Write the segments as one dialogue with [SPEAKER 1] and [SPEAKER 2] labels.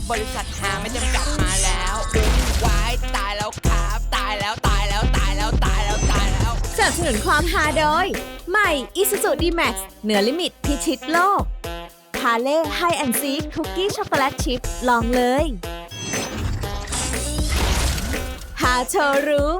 [SPEAKER 1] บริษัทหาไม่จำกัดมาแล้ววายตายแล้วครับตายแล้วตายแล้วตายแล้วตายแล้วตายแล้ว
[SPEAKER 2] สนับสนุนความฮาโดยใหม่ Isuzu D-Max เหนือลิมิตพิชิตโลกฮาเล่ไฮแอนด์ซีคุกกี้ช็อกโกแลตชิพลองเลยฮาโชว์รูม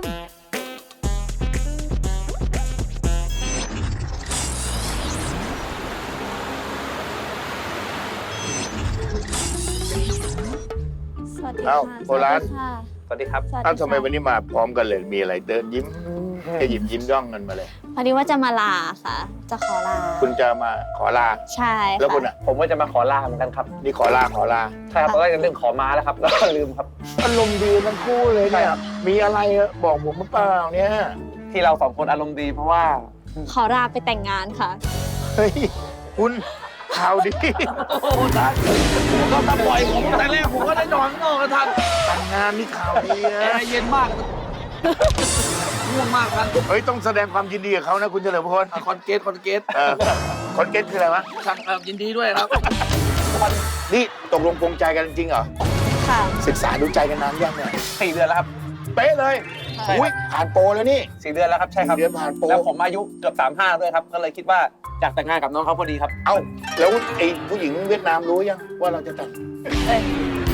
[SPEAKER 3] เอ้าโบราณ
[SPEAKER 4] สวัสดีครับ
[SPEAKER 3] เอ้าทำไมวันนี้มาพร้อมกันเลยมีอะไรเดินยิ้มจะหยิบยิ้มย่องกันมาเลย
[SPEAKER 5] พอดีว่าจะมาลาค่ะ จะขอลา
[SPEAKER 3] คุณจะมาขอลา
[SPEAKER 5] ใช่ค่ะ
[SPEAKER 3] แล้วคุณอ่ะ
[SPEAKER 4] ผมก็จะมาขอลาเหมือนกันครับ
[SPEAKER 3] นี่ขอลา
[SPEAKER 4] ใช่ครับตอนแรกจะเรื่องขอมาแล้วครับ แล้วก็ลืมครับ
[SPEAKER 3] อารมณ์ดีทั้งคู่เลยเนี่ยมีอะไรอะบอกผมมาเปล่าเนี่ย
[SPEAKER 4] ที่เราสองคนอารมณ์ดีเพราะว่า
[SPEAKER 5] ขอลาไปแต่งงานค่ะ
[SPEAKER 3] เฮ้ยคุณข่าวดี
[SPEAKER 4] โอ้ท่านก็มาปล่อยผมแต่แรกผมก็ได้นอนข้างนอกกับท่าน
[SPEAKER 3] แต่งงานนี่ข่าวดี
[SPEAKER 4] แอ
[SPEAKER 3] นะ
[SPEAKER 4] ร์เย็นมากง่วงมากท่าน
[SPEAKER 3] เฮ้ยต้องแสดงความยินดีกับเขานะคุณเฉลิมพล
[SPEAKER 4] คอนเกต
[SPEAKER 3] คอนเกตคืออะไรวะ
[SPEAKER 4] ท่านยินดีด้วยครับ
[SPEAKER 3] นี่ตกลงปรงใจกันจริงเหรอ
[SPEAKER 5] ค่ะ
[SPEAKER 3] ศึกษาดูใจกันนานยังเนี่ย
[SPEAKER 4] 4 เดือนแล้วครับ
[SPEAKER 3] เป๊ะเลย
[SPEAKER 4] ใช่
[SPEAKER 3] อุ้ยผ่านโปรแล้วนี่
[SPEAKER 4] 4 เดือนแล้วครับใช่ครับ
[SPEAKER 3] 4 เดือนผ่านโปร
[SPEAKER 4] แล้วผมอายุเกือบ35ด้วยครับก็เลยคิดว่าอยากแต่งงานกับน้องเขาพอดีครับ
[SPEAKER 3] เอ้าแล้วไอ้ผู้หญิงเวียดนามรู้ยังว่าเราจะแต่ง
[SPEAKER 5] เอ้ย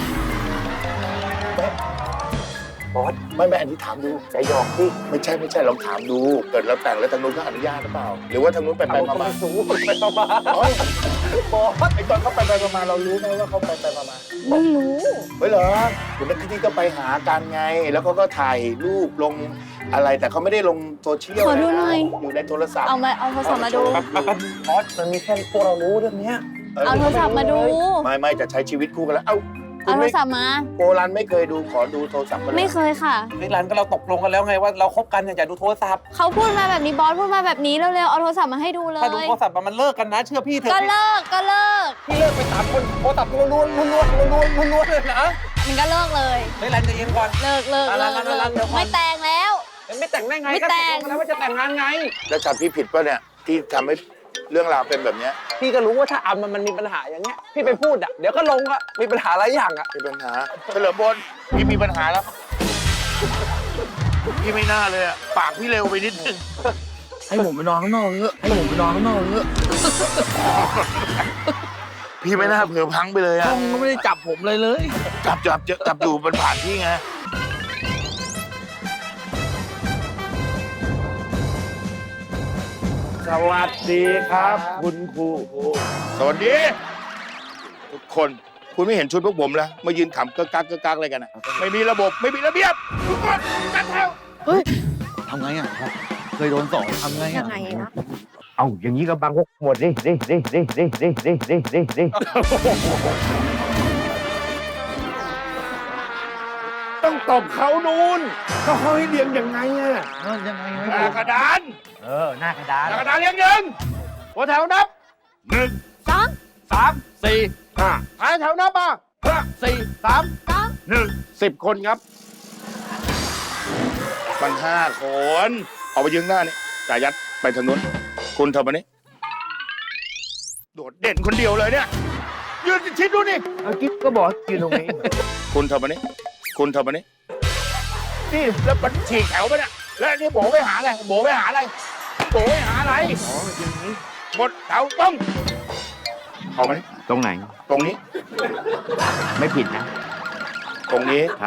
[SPEAKER 3] บอสไม่อันนี้ถามดูใจหยอกพี่ไม่ใช่ลองถามดูเกิดเราแต่งแล้วทางนู้นเขาอนุญาตหรือเปล่า หรือว่าทางนู้นไปมา
[SPEAKER 4] ไปมา
[SPEAKER 3] อ๋อบอสไอ้ตอนเขาไปมาเรารู้ไหมว่าเขาไปมา
[SPEAKER 5] ไม่รู้
[SPEAKER 3] เฮ้ยเหรอคุณนักที่ก็ไปหากันไง แล้วเขาก็ถ่ายรูปลงอะไรแต่เขาไม่ได้ลงโซเชียล
[SPEAKER 5] ขอดูหน่อย
[SPEAKER 3] อยู่ในโทรศัพท์
[SPEAKER 5] เอาโทรศัพท์มาดู
[SPEAKER 4] บอสมันมีแค่พวกเรารู้เรื่องนี้
[SPEAKER 5] เอาโทรศัพท์มาดู
[SPEAKER 3] ไม่จะใช้ชีวิตคู่กันแล้วเอ้าคุ
[SPEAKER 5] เอา
[SPEAKER 3] ณ
[SPEAKER 5] โทร
[SPEAKER 3] ไม่
[SPEAKER 5] ศัพท์มา
[SPEAKER 3] โบรันไม่เคยดูขอดูโทรศัพท์กันเลย
[SPEAKER 5] ไม่เคยค่ะ
[SPEAKER 4] นี่ร้านก็เราตกลงกันแล้วไงว่าเราคบกันอย่าดูโทรศัพท์
[SPEAKER 5] เขาพูดมาแบบนี้บอสพูดมาแบบนี้เร็วๆ เอาโทรศัพท์มาให้ดูเลย
[SPEAKER 4] ถ้าดูโทรศัพท์มันเลิกกันนะเชื่อพี่เถ
[SPEAKER 5] ก็
[SPEAKER 4] อะ
[SPEAKER 5] เลิกก็เลิก
[SPEAKER 4] พี่เลิกไป3 คนโทรศัพท์ล้วนเลยนะ
[SPEAKER 5] มันก็เลิกเลย
[SPEAKER 4] เฮ้ยร้านใจเย็นก่อน
[SPEAKER 5] เลิก
[SPEAKER 4] ร้านเดี๋ยวก่อน
[SPEAKER 5] ไม่แต่งแล้ว
[SPEAKER 4] ไม่แต่งได้ไง
[SPEAKER 5] ไม่
[SPEAKER 4] ก็
[SPEAKER 5] แต่
[SPEAKER 4] ตก
[SPEAKER 5] ง
[SPEAKER 4] ลงกันแล้วว่าจะแต่งงานไง
[SPEAKER 3] แล้วจับพี่ผิดป่ะเนี่ยที่ทำให้เรื่องราวเป็นแบบเนี้ย
[SPEAKER 4] พี่ก็รู้ว่าถ้าอัมมันมีปัญหาอย่างเงี้ยพี่ไปพูดอ่ะเดี๋ยวก็ลงอ่ะมีปัญหาหลายอย่างอ่ะ
[SPEAKER 3] มีปัญหาเฉลิมพลพี่มีปัญหาแล้วพี่ไม่น่าเลยอะปากพี่เร็วไปนิดนึง
[SPEAKER 6] ให้ผมไปนอนข้างนอกเถอะให้ผมไปนอนข้างนอกเถอะ
[SPEAKER 3] พี่ไม่น่าเผลอพลังไปเลย
[SPEAKER 6] ห้
[SPEAKER 3] อะ
[SPEAKER 6] องก็ไม่ได้จับผมเลยเลย
[SPEAKER 3] จับอยู่บนผ่านพี่ไงสวัสดีครับ คุณครูสวัสดี ทุกคนคุณไม่เห็นชุดพวกผมแล้วมายืนขำเกักอะไรกันอะไม่มีระบบไม่มีระเบียบทุกคนจัดแถว
[SPEAKER 6] ทำไงอ่ะครับ เคยโดนสอนทำไงอ่ะ
[SPEAKER 2] ยังไงนะ
[SPEAKER 7] เอาอย่างนี้ก็บังพวกหมดดิ
[SPEAKER 3] ต้องตบเขานูนเขาให้เรียงยังไงอะ
[SPEAKER 6] ยังไง
[SPEAKER 3] หน้ากระดาน
[SPEAKER 7] หน้ากระดาน
[SPEAKER 3] หน้ากระดานเรียงหนึ่งหัวแถวนับ1 2 3 4 5ท้ายแถวนับมา5 4 3 1 10 คนครับมัน5 คนออกไปยืนหน้านี่จ่ายัดไปทางนู้นคุณเธอมานี่โดดเด่นคนเดียวเลยเนี่ยยืนชิดดูนี่
[SPEAKER 7] กิ๊บก็บอกยืนตรงนี้
[SPEAKER 3] คุณเธอมานี่นี่แล้วมันฉีกแถวไปเนี่ยแล้วนี่โบไปหาอะไรโบไปหาอะไรหมดแถวต้องออกมานี่
[SPEAKER 7] ตรงไหน
[SPEAKER 3] ตรงนี้
[SPEAKER 7] ไม่ผิดนะ
[SPEAKER 3] ตรงนี้
[SPEAKER 7] ครับ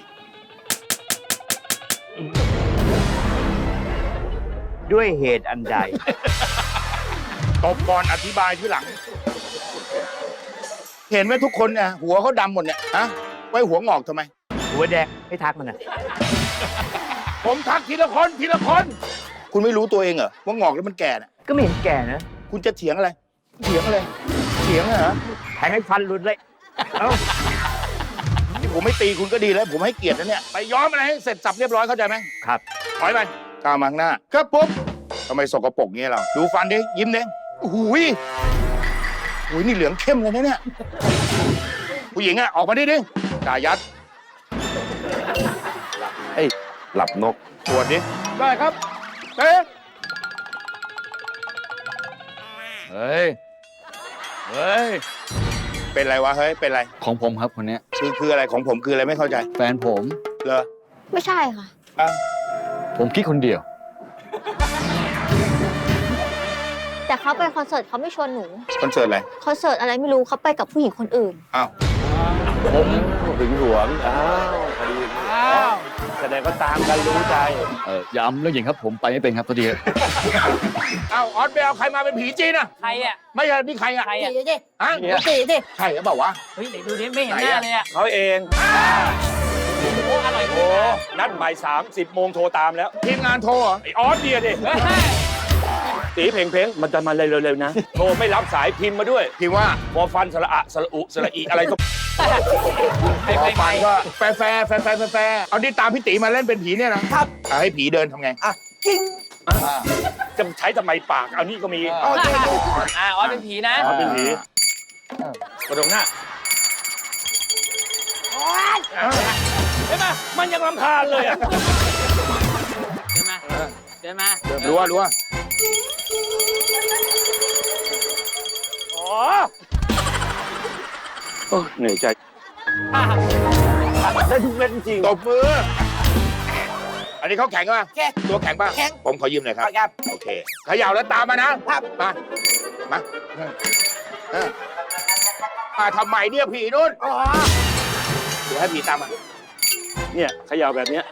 [SPEAKER 7] ด้วยเหตุอันใด
[SPEAKER 3] ตบก่อนอธิบายที่หลัง เห็นไหมทุกคนเนี่ยหัวเขาดำหมดเนี่ยฮะไว้หัวงอกทำไม
[SPEAKER 7] หัวแดงไม่ทักมันอ่ะ
[SPEAKER 3] ผมทักทีละคนคุณไม่รู้ตัวเองเหรอว่างอกแล้วมันแก่น่ะ
[SPEAKER 7] ก็ไม่เห็นแก่นะ
[SPEAKER 3] คุณจะเถียงอะไรเถียงเหรอ
[SPEAKER 7] แทงให้ฟันหลุดเลย เอ้า
[SPEAKER 3] ที่ผมไม่ตีคุณก็ดีแล้ว ผมให้เกียรตินะเนี่ยไปย้อมอะไรให้เสร็จสับเรียบร้อยเข้าใจไหม
[SPEAKER 7] ครับ
[SPEAKER 3] ถอยไปก้าวมาข้างหน้าครับปุ๊บทำไมสกปรกเงี้ยเราดูฟันดิยิ้มดิหูยนี่เหลืองเข้มเลยนะเนี่ยผู้หญิงอะออกมาดิจ่ายัด
[SPEAKER 7] หลับนก
[SPEAKER 3] ตรวจดิได้ครับเอ๊ะ
[SPEAKER 6] เฮ้ย
[SPEAKER 3] เป็นไรวะเฮ้ยเป็นไร
[SPEAKER 6] ของผมครับคนเนี้ย
[SPEAKER 3] คืออะไรของผมคืออะไรไม่เข้าใจ
[SPEAKER 6] แฟนผม
[SPEAKER 3] เหรอ
[SPEAKER 5] ไม่ใช่ค่ะ
[SPEAKER 3] อ้าว
[SPEAKER 6] ผมคิดคนเดียว
[SPEAKER 5] แต่เขาไปคอนเสิร์ตเขาไม่ชวนหนู
[SPEAKER 3] คอนเสิร์ตอะไร
[SPEAKER 5] คอนเสิร์ตอะไรไม่รู้เขาไปกับผู้หญิงคนอื่น
[SPEAKER 3] อ้าว
[SPEAKER 7] ผมถึงหลวงอ้าวพอดีแสดงก็ตามกันรู้ใจ
[SPEAKER 6] อย่าอำเรื่องหญิงครับผมไปไม่เป็นครับตัวเดียว
[SPEAKER 3] อ้าวออสไปเอาใครมาเป็นผีจีนอ่ะ
[SPEAKER 1] ใครอ่ะ
[SPEAKER 3] ไม่ใช่นี่ใครอ่ะ
[SPEAKER 1] ใครอ่ะ
[SPEAKER 3] ฮะจีดิใช่หรือเปล่าวะ
[SPEAKER 1] เฮ้ยไหนดูดิไม่เห็นหน้าเลยอ่ะ
[SPEAKER 7] เขาเอง
[SPEAKER 1] โอ้อร่อย
[SPEAKER 7] โอ้ นัดบ่าย30 โมงโทรตามแล้ว
[SPEAKER 3] ทีมงานโทรเหรอ
[SPEAKER 7] ไอออสเดียดิตีเพ่งๆ มันจะมาเร็วๆนะ โทรไม่รับสายพิมพ์มาด้วย
[SPEAKER 3] พิมพ์ว่า
[SPEAKER 7] พอฟันสระอะสระอุสระอีอะไรก็
[SPEAKER 3] พอฟังก็แฟร์เอาที่ตามพี่ตีมาเล่นเป็นผีเนี่ยนะครับให้ผีเดินทำไง
[SPEAKER 7] จะใช้ทำไมปาก เอานี่ก็มี
[SPEAKER 1] อ๋อเป็นผีนะ
[SPEAKER 7] เอาเป็นผีกระโดดหน้าเห็นไหมมันยังรำคาญเลยอ่ะ
[SPEAKER 1] เดินมา
[SPEAKER 3] รู้ว่า
[SPEAKER 7] อ๋อโอ้เหนื่อยใจได้ทุกเม็ดจริง
[SPEAKER 3] ตบมือ อันนี้เขาแข็งป่ะตัวแข็งป่ะผมขอยืมหน่อยครับโอเคเขย่าแล้วตามมานะมามาทำไมเนี่ยผีนู่นเดี๋ยวให้ผีตามมา
[SPEAKER 7] เนี่ยเขย่าแบบเนี้ย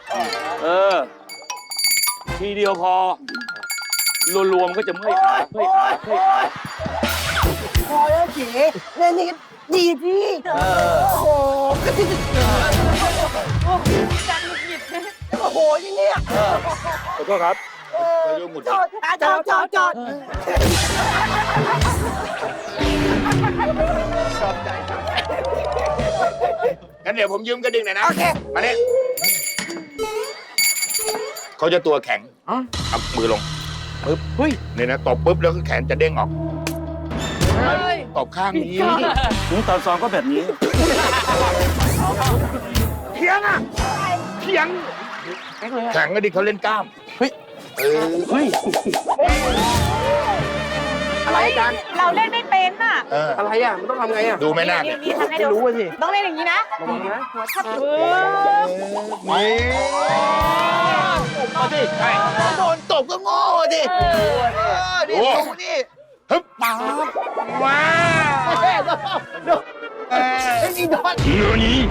[SPEAKER 7] ทีเดียวพอรวมๆก็จะเมื่อยขา
[SPEAKER 8] พอแล้วจีเนี่ยนี่ดีดีโอ้โหโอ้โหอย่างเนี้ย
[SPEAKER 7] ขอโทษครับ
[SPEAKER 8] จอด
[SPEAKER 3] งั้นเดี๋ยวผมยืมกระดิ่งหน่อยนะ โอเค มาเนี่ยเขาจะตัวแข็งเอามือลงปึ๊บนี่นะตบปุ๊บแล้วก็แขนจะเด้งออกตบข้างนี้
[SPEAKER 7] ตอนซ้อมก็แบบนี้
[SPEAKER 3] เขียงอ่ะเขียงแข็งก็ดิเขาเล่นกล้าม เฮ้ย
[SPEAKER 8] อะไรกันเราเล่นไม่เป็นอ่ะ
[SPEAKER 4] อะไรอ่ะ มันต้องทำไงอ่ะ
[SPEAKER 3] ดูไม่น่า
[SPEAKER 8] นี่ทำให้
[SPEAKER 4] ไม่
[SPEAKER 8] ดู
[SPEAKER 4] รู้สิ
[SPEAKER 8] ต้องเล่นอย่างนี้นะ
[SPEAKER 4] ระวังนะ
[SPEAKER 8] หัวทับ
[SPEAKER 3] นี่
[SPEAKER 6] โดนตบก็โง่ดิ
[SPEAKER 3] ดูนี่ฮึบป๊าบว้าวเนื้อนี้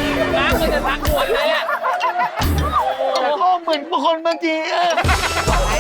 [SPEAKER 1] น้ำมันจะทักหัวเลยอ่ะ
[SPEAKER 6] โอ้เหมือนคนเมื่อกี้